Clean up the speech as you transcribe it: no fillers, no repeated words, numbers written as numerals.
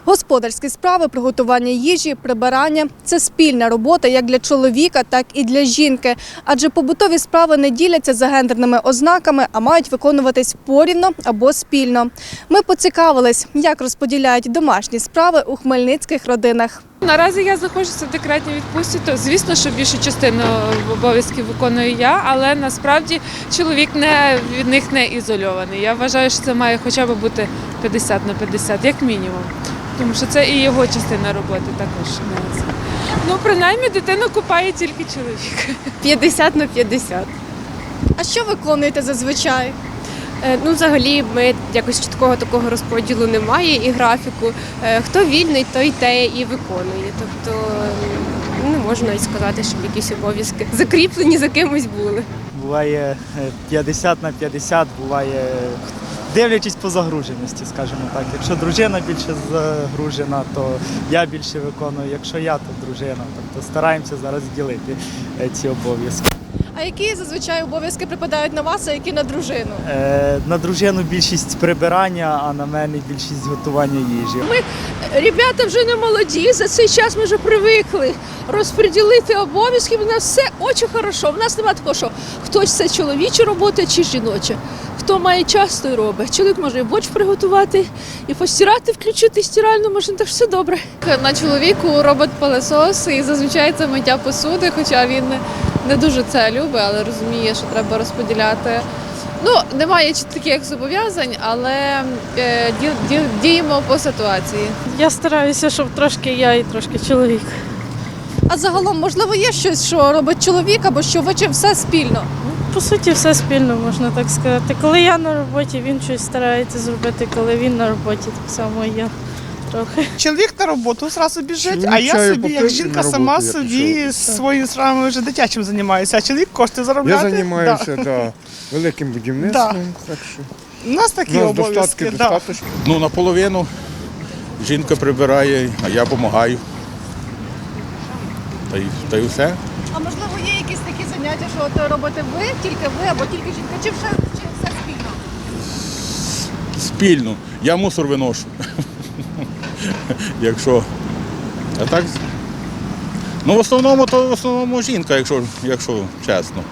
Господарські справи, приготування їжі, прибирання – це спільна робота як для чоловіка, так і для жінки. Адже побутові справи не діляться за гендерними ознаками, а мають виконуватись порівно або спільно. Ми поцікавились, як розподіляють домашні справи у хмельницьких родинах. Наразі я знаходжуся в декретній відпустці, то звісно, що більшу частину обов'язків виконую я, але насправді чоловік від них не ізольований. Я вважаю, що це має хоча б бути 50/50, як мінімум. Тому що це і його частина роботи також. Ну, принаймні, дитину купає тільки чоловік. 50/50. А що виконуєте зазвичай? Ну, взагалі, ми якось чіткого такого розподілу немає і графіку. Хто вільний, той те і виконує. Тобто не можна і сказати, щоб якісь обов'язки закріплені за кимось були. Буває 50/50, буває дивлячись по загруженості, скажімо так. Якщо дружина більше загружена, то я більше виконую. Якщо я, то дружина. Тобто стараємося зараз ділити ці обов'язки. А які зазвичай обов'язки припадають на вас, а які на дружину? На дружину більшість прибирання, а на мене більшість готування їжі. Ребята вже не молоді, за цей час ми вже привикли розподілити обов'язки. У нас все дуже хорошо. У нас немає такого, що хтось це чоловіча робота чи жіноча. Хто має час, той робить. Чоловік може і борщ приготувати, і постирати, включити стиральну машину, так все добре. На чоловіку робот-пилосос і зазвичай це миття посуди, хоча він не дуже це любить, але розуміє, що треба розподіляти. Ну, немає таких зобов'язань, але діємо по ситуації. Я стараюся, щоб трошки я і трошки чоловік. А загалом, можливо, є щось, що робить чоловік, або що ви чи все спільно? По суті, все спільно, можна так сказати. Коли я на роботі, він щось старається зробити, коли він на роботі, так само і я трохи. Чоловік на роботу одразу біжить, Чоловік а я чаю собі, як попив, жінка, на роботу сама я собі пішов. своїми справами вже дитячим займаюся, а чоловік кошти Я заробляти. займаюся великим будівництвом, так що У нас такі у нас обов'язки. достатки Да. достатньо. Ну, наполовину жінка прибирає, а я допомагаю. Та й все. А можливо, є якісь такі заняття, що от робите ви, тільки ви, або тільки жінка, чи все спільно? Спільно. Я мусор виношу. Якщо. А так. Ну, в основному жінка, якщо чесно.